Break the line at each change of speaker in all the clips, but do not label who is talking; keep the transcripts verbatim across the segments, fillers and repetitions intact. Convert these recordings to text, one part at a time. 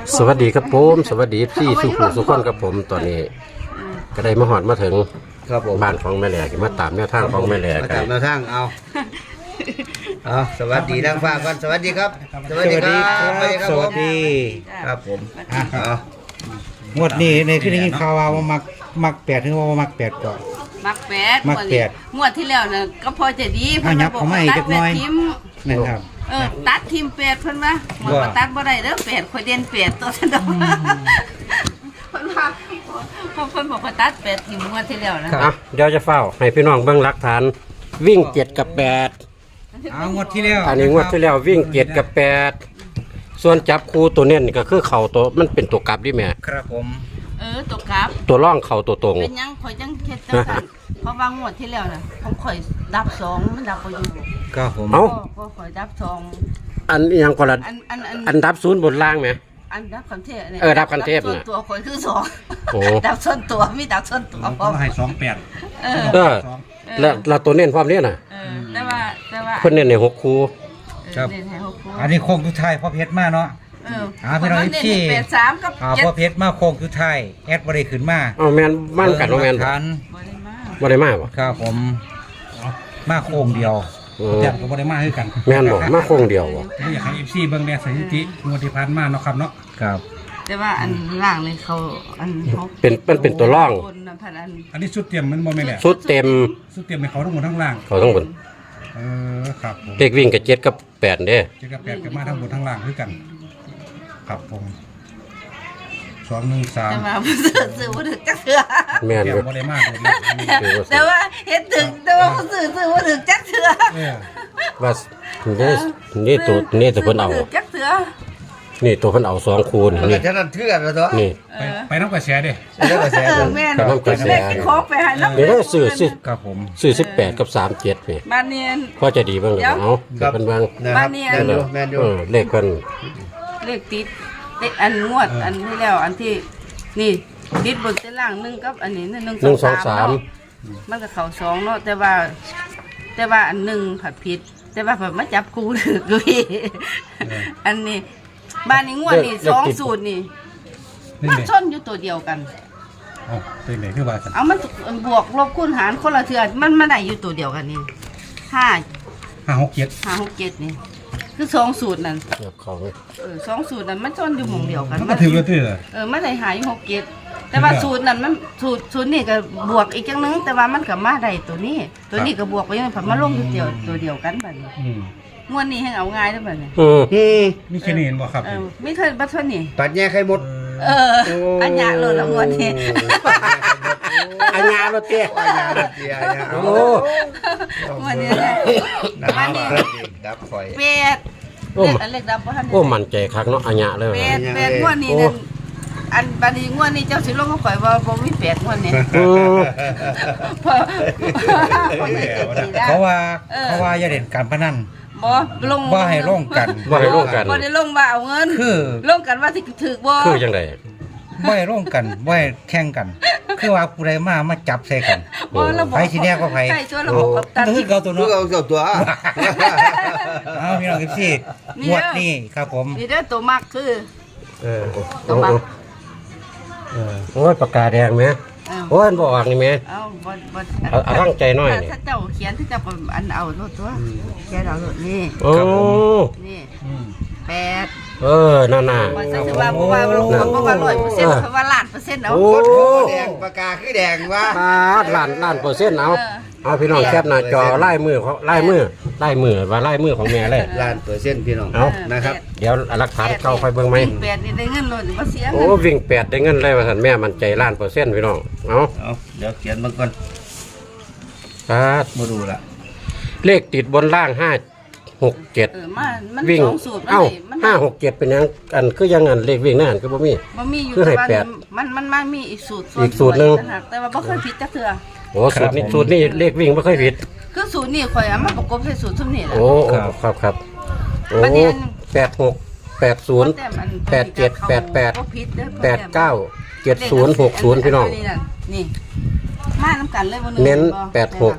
สวัสดีครับผมสวัสดีพี่สุขุสุขคนครับผมตอนนี้ก็ได้มาหอดมาถึง
ครับผม
บ้านของแม่แหลกมาตามแนวทางของแม่แหลก
มาตามแนวทางเอาเอาสวัสดีทางฟ้ากันสวัสดีครับสวัสดีครับสวัสดีครับ
สวัสดี
ครับผม
อ่ะ
เอา
งวดนี้ในขึ้นได้ยินข่าวว่ามักมักแปดถึงว่ามักแปดก่อน
มักแปด
มักแปด
งวดที่แล้วน่ะก็พอจะดี
อ่ะยับเข้ามาอีกจักหน่อย
ตัดแปดทิม
นะครับ
เออตัดทิมแปดเพิ่นว่าหมด
ว่า
ตัดบ่ได้เด้อแปดข่อยเด่นแปดตัวซะดอกเพิ่นว่าเพิ่นบอกว่าตัดแปดทิมงวดที่แล้วนะ
อ่ะเดี๋ยวจะเฝ้าให้พี่น้องเบิ่งหลักฐานวิ่งเจ็ดกับแปด
เอางวดที่แล้ว
อันนี้งวดที่แล้ววิ่งเจ็ดกับแปดส่วนจับคู่ตัวเน้นนี่ก็คือเข่าตัวมันเป็นตัวกลับดิแม่
ครับผม
เออตกกลับ
ตัวร่องเข่าตัวตรง
เป็นหยังข่อยจังเฮ็ดจังซั่นเพราะว่างวดที่แล้วน่ะผมข่อยดับสองมันดับบ่อยู่
ครับผม
เอ้า
ก็ก็ข่อยดับสอง
อันอิหยังก็ละ
อันอันอัน
อันดับศูนย์บนล่างไหม
อันดับคันเทพนี่ย
เออดับคันเทพ
ส่วน
น่ะ
ตัวข่อยคือสอง
โอ้
ดับส่วนตัวมีดับส่วนตัวพร้อม
ให้สองแปด
เออ
เออแล้วแล้วตัวเน้นพร้อมเนี้น่ะ
เออแต่ว่าแต่ว่า
เพิ่นเน้นในหกคู่
ครับ
เออเด่นให้หกคู่
อันนี้โค้งทุดท้ายพ่อเพชรมาเนาะ
เออ
อ่าพี่น้อง
เด่น
ที่
ให้แปดสามกับ
อ่า
เจ็ด
พ่อเพชรมาโค้งทุดท้ายแอดบริขึ้นมา
เอาแม่นมั่นกันว่าแม่น
เออหลักฐาน
บ่ได้มา
บ่ได้มาบ่
ครับผมมาโค้งเดียว
อืม
แต่ก็บ่ได้มาคือกัน
แม่นบ่มาโค้งเดียวบ่
ผมอยากให้ เอฟ ซี เบิ่งแน่สถิติงวดที่ผ่านมาเนาะครับเนาะ
ครับ
แต่ว่าอันล่างเลยเขาอันเขา
เป็นมันเป็นตัวร่อง
บนน่ะพันอัน
อันนี้ชุดเตรียมมันบ่แม่นแหละ
ชุดเต็ม
ชุดเตรียมให้เขาทั้งหมดทั้งล่าง
เขาต้องบน
เออครับผม
เลขวิ่งกับเจ็ดกับแปดเด้
เจ็ดกับแปดก็มาทั้งหมดทั้งล่างคือกัน ครับผมสองหนึ่งสาม
แต่ว่าบ่ซื้อซื้อบ่ถึกจักเทื่อ
แม่น
เตรีย
อ
ม
ยู่
บ่ได้มาเลยนะอันนี้
แต่ว่าเฮ็ดถึงแต่ว่าบ่ซื้อซื้อบ่ถึกจักเทื่อ
เออ
ว่านี่นี่ตัวนี่ตัวเพิ่นเอา
ซื้บ่ถึกจักเทื่อ
นี่ตัวเพิ่นเอาสองคูณ
มัน
นี่
ก็จะนั่นเทื่อนแล้วตัว
นี่
ไปไปน้ำกระแสเด้
เรื่องกระแส
เออ
ตัว
แม่น
แต่น้ำกระแส
แม่กินของไปให้น้ำ
นี่เราซื้อสิ
ครับผม
ซื้อสิบแปดกับสามเจ็ดนี่
บ้านเนียน
พอจะดีบ้างหรือเปล่าเอา
ครับ
เป็นบ้าง
นะครับ
บ้านเนี่ย
แมนยูแมนยู
เออเลขเพิ่น
เลขติดเลขอันงวดอันที่แล้วอันที่นี่ติดบนเส้นล่างหนึ่งกับอันนี้หนึ่ง
หนึ่งสองสาม
เนาะมันก็เข่าสองเนาะแต่ว่า แต่ว่าอันหนึ่งผัดผิด แต่ว่าแบบมาจับกูถือกูอีกอันนี้บ้านนี้งวดนี่สองสูตรนี่
นี่
มัน
เด้
ชนอยู่ตัวเดียวกัน
เอ้าเป็นไหนคือว่าซั่น
เอามันบวกลบคูณหารคนละเทือมันมันได้อยู่ตัวเดียวกันนี่ห้า
ห้าหกเจ็ด
ห้าหกเจ็ดนี่ คือสองสูตรนั่น
เกือบเขาเลย
เออสองสูตรนั้นมันชนอยู่หม่องเดียวกัน
มันก็ถือว่าถือเลย
เออมันได้หายหกเจ็ดแต่ว่าสูตรนั้นมันสูตรสูตรนี่ก็บวกอีกจังนึงแต่ว่ามันก็มาได้ตัวนี้ ตัวนี้ก็บวกไปยังไงผัดมาลงตัวเดียวตัวเดียวกันบัดนี้
อืม
งวดนี้ให้เอาง่ายเด้อบัดนี้
อืม
อืม
มีแค่นี้เห็นบ่ครับ
เออไม่เคยบัดเท่านี้
ปัดแย่ไข่หมด
เอออันยากเลยละงวดนี้
อันยาโรเตี้ย
ปัดแย่เตียเนี่ย
โอ้
งวดนี้นะ
นะ
บ้านนี้
ดับข่อย
เป็ด
โอ้
เล็กอันเล็กดำบ่ทันได้
โอ้มันใจคักเนาะอันยาเลย
เป็
ว่ะ
ดเป็ดงวดนี้นั่นอันบัดนี้งวดนี้เจ้าสิลงก็ข่อยว่าบ่มีเป็ดงวดนี้
อืม
เพราะเพราะอยากจะสิได้
เขาว่า
เออ
เขาว่าอย่าเด่นการพนัน
บ่ลง
บ่ให้ลงกัน
ว่าให้ร่วมกัน
บ่ได้ลงว่าเอาเงิน
คือ
ลงกันว่าสิถือบ่
คือจังได
บ่ให้ร่วมกันบ่ให้แข่งกัน คือว่าผู้ใดมามาจับใส่กัน
บ่ระบบ
ไผสิแน่กว่าไผ
ใช่ตัวระบบกับตัน
ก็คือเก่าตัว
ลูก
เนาะ
เอาเจ้าตัว
เอาพี่น้องพี่
นี่
ง
เด้อ
วดนี้ครับผม
นี่เด้อตัวมักคือ
เออ
ตัวมัก
เออโอ้ยปากกาแดงไหม
เอ้า
โอ้ยอันบออกนี่ไหม
เอาบ่บ่
เอาเอาตั้งใจหน่อยนี่
ถ้าเจ้าเขียนที่จะเป็นอันเอาโลดตัวเขียนเอาโลดนี่
โอ้
นี่
อืม
แปด
เออน่าน่า
ว่าซะสิว่าบ่ว่าบ่ว่าบ่ว่าร้อยเปอร์เซ็นต์เพราะว่าล้านเปอร์เซ็นต์เอา
โอ้
โคตรแดงปากกาคือแดงวะ
ปาดล้านล้านเปอร์เซ็นต์เอา
เออ
เอาพี่น้องแคปหน้าจอไล่มือเขาไล่มือไล่มือว่าไล่มือของแม่เลย
ล้านเปอร์เซ็นต์พี่น้อง
เอา
นะครับ
เดี๋ยวหลักฐานเข้าไปเบิ่งไหม
แปดนี่ได้เงินโลดบ่เสีย
โอ้
เงิน
วิ่งแปดได้เงินเลยว่าสันแม่มันใจล้านเปอร์เซ็นต์พี่น้องเอา
เอาเดี๋ยวเขียนมันก่อน
ปาด
มาดูละ
เลขติดบนล่างห้าหกเจ็ด
เออมามัน
วิ่ง
สองสูตรมัน
เอ้า
ได้มันได้
ห้าหกเจ็ดเป็นยังอันคือยังอันเลขวิ่งนั่นคือบ่มี
มันมีอยู่
คือให้
แต่ว่า
แปด
มันมันมันมีอีกสูตร
อีกสูตรหนึ่ง
ต่าหากแต่ว่าบ่เคยผิดจักเทื่อ
โอ้สูตรนี้สูตรนี้เลขวิ่งไม่ค่อยผิด
คือสูตรนี้ข่อยเอามาประกบใส่สูตรซุมนี้แหละ
โอ้โอ้ครับครับโอ้
ประเด็น
แปดหกแปดศูนย์
แต่มัน
แปดเจ็ดแปดแปด
บ่ผิดเด้อ
แปดเก้าเจ็ดศูนย์หกศูนย์พี่น้อง
นี่มาน้ำกันเลยบ่หง
เน้น
บ่
แปดหกแ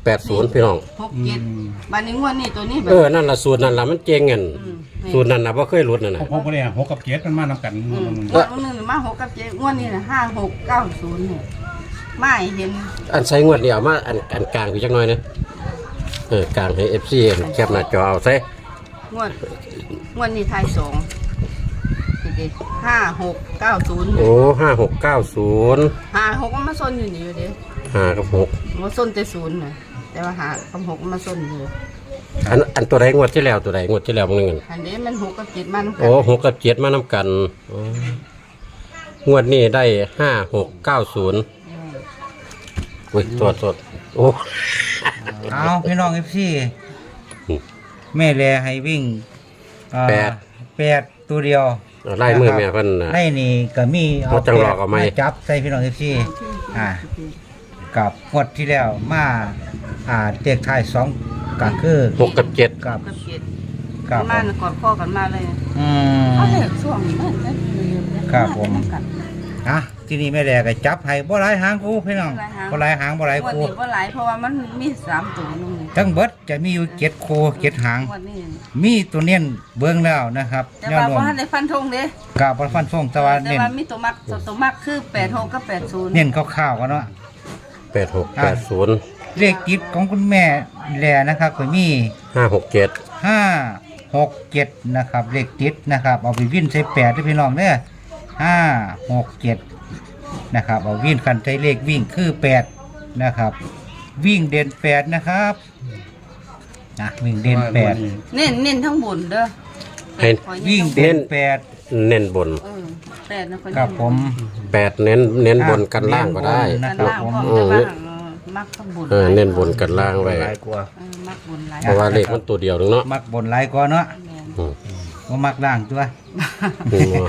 แปดศูนย์พี่น้อง
หกเจ็ดบ้านนี้งวดนี้ตัวนี้แบบ
เออนั่นล่ะสูตรนั่นล่ะมันเจ๋งเงิน
อืม
สูตรนั้นน่ะบ่เคยหลุดนั่นน่ะ
พอพอเลยหกกับเจ็ดมันมานำกัน
อืมงวดวันหนึงมาหกกับเจ็ดงวดนี้น่ะห้าหกเก้าศูนย์เนี่ยไม่เห็น
อันใส่งวดนี่เอามาอันอันกลางอยู่จักหน่อยนะเออกลางให้ เอฟ ซี แคปหน้าจอเอาใส่
งวดงวดนี้ไทยสองห้าหกเก้าศูนย์
โอ้ห้าหกเก้าศูนย์
ห้าหกมันมาส้นอยู่นี่อยู่เด้
ห้ากับหก
มาส้นแต่ศูนย์น่ะแต่ว่าหากับหกมันมาส้นอยู่
อันอันตัวใดงวดที่แล้วตัวใดงวดที่แล้วบางนึง
อันนี้มันหกกับเจ็ดมัน
โอ้หกกับเจ็ดมานำกันโอ้งวดนี้ได้ห้าหกเก้าศูนย์อุ้ยตรวจตรวจโอ้
เอาพี่น้องเอฟซี
อืม
แม่แลให้วิ่งอ่า
แปด
แปดตัวเดียว
ไล่มือแม่เพิ่นน่ะ
ให้นี่ก็มีเอา
เอาจังหลอกเอาไหม
จับใส่พี่น้องเอฟซีอ่ากับงวดที่แล้วมาอ่าเด็กไทายสองก็คือ
หกกับเจ็ด
กับ
กับเจ็ด
กับ
มันกอดข้อกันมาเลย
อืม
เขาเลยช่วงนี้มันจะลืมๆ
ครับผม อ่ะที่นี่แม่แลก็จับให้บ่หลายหางกูพี่น้องบ่หลายหางบ่หลาย
วัน
กู
นี้ว่าหลายเพราะว่ามันมีสามตัวนึง
ทั้งเบิดจะมีอยู่เจ็ดคูเจ็ดหาง
วันนี้
มีตัวเน้นเบิ่งแล้วนะครับ
แต่
แนว
ว่า
โน้ม
ว่าในฟันธงเด้
กาบฟันฟงแตะวัน
แต่
เน้น
ว่ามีตัวมักตัวมักคือแปดหกกับแปดศูนย์
เน้นข้าวๆกันเนาะ
แปดหกแปดศูนย์
เลขติดของคุณแม่แลนะครับก็มี
ห้าหกเจ็ด
ห้าหกเจ็ดนะครับเลขติดนะครับเอาไปวิ่นใส่แปดด้วยพี่น้องเด้อห้าหกเจ็ดนะครับเอาวิ่นคันใช้เลขวิ่งคือแปดนะครับ วิ่งเด่นแปดนะครับนะวิ่งเด่นแปด
เน้นเน้นทั้งบนเด้อ
ให้
ขอ
วิ่ง
เน้น
เด่นแปด
เน้นบน
เออแปดนะคน
ครับผม
แปดเน้นเน้นบนกันล่างก็ได้
นะ
กัน
ครับ
ล่าง
ผม
พร้อมแต่ว่ามักทั้งบน
เออเน้นบนกันล่างไว้
หลายกว่า
เออมักบนหลาย
เพราะว่าเลขมันตัวเดียวนึงเนาะ
มักบนหลายกว่าเนาะ
แม่น
อืม
ว่ามักล่างตัว
อืม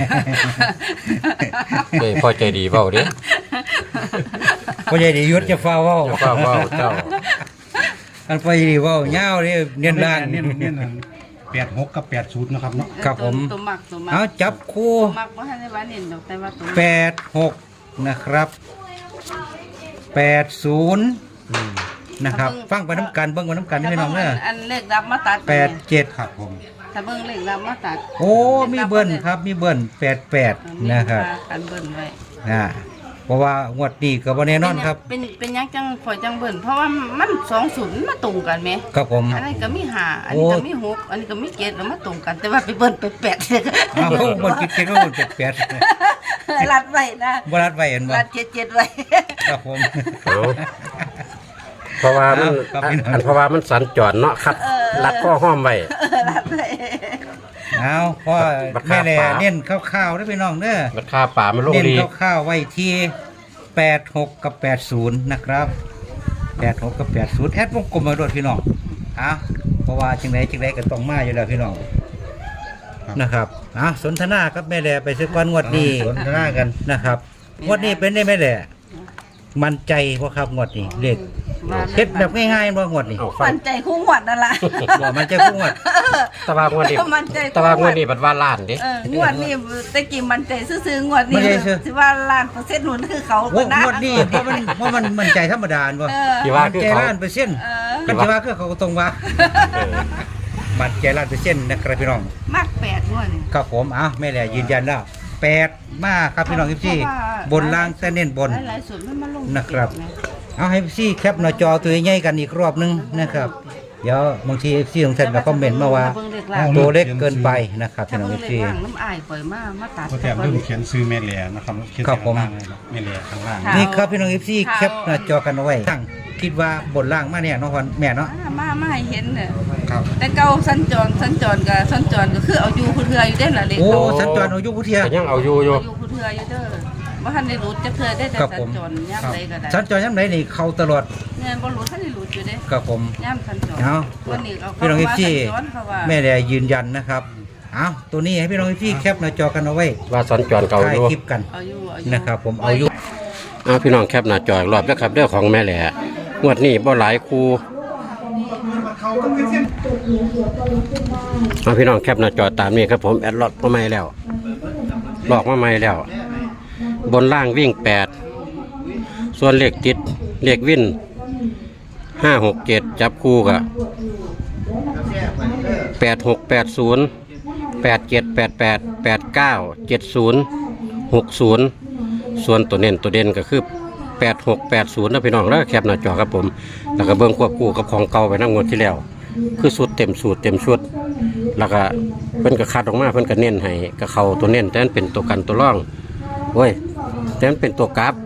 เอ้ยพ่อใจดีเว้าเด้
พ่อใหญ่ดียุทธจะฟ้าเว้า
เจ้าเฝ้าเว้าเจ้า
อันพ่อใหญ่ดีเว้าเงาวนี่เน้นล่าง
เน้นเน้นแปดหกกับแปดศูนย์นะครับเนาะ
ครับผม
ตัวมักตัวมัก
เอาจับคู่
ตัวมักว่าให้ได้ว่าเน้นดอกแต่ว่าตัว
แปดหกนะครับแปดศูนย์นะครับฟังไปน้ำกันเบิ้งไปน้ำกันนี่พี่น้องเนอะ
อันเลขรับมาตัด
แปดเจ็ด
ครับผม
ถ้าเบิ่งเลขรับมาตัด
โอ้มีเบิ้ลครับมีเบิ้ลแปดแปดนะครับ
อันเบิ่นไว้
อ่าเพราะว่างวดนี้ก็บ่แน่นอนครับ
เป็นเป็นยังจังข่อยจังเบิ่นเพราะว่ามันสองศูนย์มาตรงกันไหม
ครับผม
อันนี้ก็มีห้าอันนี้ก็มีหกอันนี้ก็มีเจ็ดแล้วมาตรงกัน แต่ว่าไปเบิ่นไปแปดเลย
อ้าวบนคิดเก็ดว่าบนแปดแปด
รัดไว้นะ
บรัดไว้เห็นบ่
รัดเจ็ดเจ็ดไว้
ครับผม
เอาเพราะว่ามัน
ครับ
อันอันเพราะว่ามันสัญจรเนาะคัดรัดข้อห้อมไว้
รัดไว้
เอาพ่อ
บัก
แม่
คา
แล
ป่า
เน้นข้าวๆเด้อพี่น้องเด้อ
ราคาป่ามันลง
เน้น
ดี
ข้าวๆไว้ที่แปดหกกับแปดศูนย์นะครับแปดหกกับแปดศูนย์แอดวงกลมมาด้วยพี่น้องเอาเพราะว่าจังไดจังไดก็ต้องมาอยู่แล้วพี่น้องนะครับอ่ะสนทนากับแม่แลไปซื้อก้อนงวดนี้
สนทนากัน
นะครับงวดนี้เป็นได้แม่แลมั่นใจเพราะครับงวดนี้เลขเฮ็ดแบบง่ายๆบ่งวดนี้
เอาฟั
มั
ง
นใจคู่หวัดนั่นล่ะ
บ่มั่นใจคู่งวด
ตะวางวันนี้
มันใจ
ตะวางวันนี้บัดว่าล้านเด้
เอองวดนี้ตะกี้มันใจซื่อๆงวดนี้
ไม่ได้ซื่อ
สิว่าล้านเปอร์เซ็นต์หนุนคือเขา
โอ้
นะ
งวดนี้เพราะมันเพราะมันมั่นใจธรรมดาบ่
เออ
ที่ว่า
มั่น
คือ
ใจ
เขา
ล้านเปอร์เซ็นต์
เออ
กันที่ว่าคือเขาก็ตรงว่า
เออ
มั่นใจล้านเปอร์เซ็นต์นะครับพี่น้อง
มากแปดงวดนี่
ครับผมอ่ะแม่แหล่ยืนยันแล้วแปดมากครับพี่น้องพี่
เพราะว่า
บนล่างแต่เน้นบน
หลายๆส่วนมันมาลง
นะครับ เอาให้พี่แคปหน้าจอตัวใหญ่ๆกันอีกรอบนึงนะครับ เดี๋ยวบางทีพี่ของท่านก็คอมเมนต์มาว่า ตัวเล็กเกินไปนะครับ
ถ้า
พี่น้อง
เบิ่งเลข
พี่
ล่างน้ำอายข่อยมามาตัด
ก็แถมเริ่มเขียนซื้อแม่เหลียนะครับเขียน
ครับผม
ข้างล่างเลยครับแม่เหลียข้างล่าง
นี่ครับพี่น้องพี่แคปหน้าจอกันเอาไว้ตั้งคิดว่าบนล่างมาเนี่ยน้องคนแม่เนาะ
มามามาให้เห็นเนี่ย
ครับ
แต่เก่าสัญจรสัญจรกับสัญจรก็คือเอาอยู่ผู้เทืออยู่เด้นล่ะเลข
โอ้
เก่า
สัญจรเอายุพุทเทีย
แต่ยังเอาอยู่อยู่
เอาอยู่ผู้เทืออยู่เด้อบ่ทันได้รู้จักเทือได้แต่
ครับ
สั
ผ
ญ
ม
จรยามใดก็ได้
สัญจรย้ำไหนนี่เข้าตลอด
เนี่ยบ่รู้ทันได้รู้อยู่เด้
ครับผม
ยามสัญจร
เอา
วันนี้เอา
พี่น้อง
เข้า
พี่
ว่าสัญจรเขาว่า
แม่แหล่ยืนยันนะครับเอาตัวนี้ให้พี่น้องพี่แคปหน้าจอกันเอาไว้
ว่าสัญจรเก่าอ
ถ่าย
ยู่
คลิปกัน
เอาอยู่เอาอยู่
นะครับ ผมเอาอยู่
เอาพี่น้องแคปหน้าจออีกรอบแล้วครับเรื่องของแม่แหล่งวดนี้บ่หลายคู่เอาพี่น้องแคปหน้าจอตามนี้ครับผมแอดล็อกมาใหม่แล้วหลอกมาใหม่แล้ว บนล่างวิ่งแปดส่วนเลขติดเลขวินห้าหกเจ็ดจับคู่กับแปดหกแปดศูนย์แปดเจ็ดแปดแปดแปดเก้าเจ็ดศูนย์หกศูนย์ส่วนตัวเน้นตัวเด่นก็คือแปดหกแปดศูนย์นะพี่น้องแล้วแคปหน้าจอครับผมแล้วก็เบิ้งควบคู่กับของเก่าไปนั่งงวดที่แล้วคือสูตรเต็มสูตรเต็มชุดแล้วก็เพิ่นก็คัดออกมาเพิ่นก็เน้นให้กับเขาตัวเน้นแต่นั้นเป็นตัวกันตัวร่องโอ้ยแต่นั้นเป็นตัวกราฟ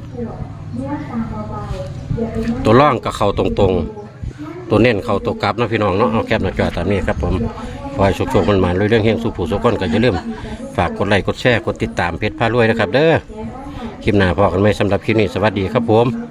ตัวร่องกับเขาตรงๆตัวเน้นเขาตัวกราฟนะพี่น้องเนาะเอาแคปหน้าจอตามนี้ครับผมขอให้โชคๆมันมาเรื่องเฮงสู่ผู้สุขคนก็อย่าลืมฝากกดไลค์กดแชร์กดติดตามเพจพารวยนะครับเด้อคลิปหน้าพอกันไหมสำหรับคลิปนี้สวัสดีครับผม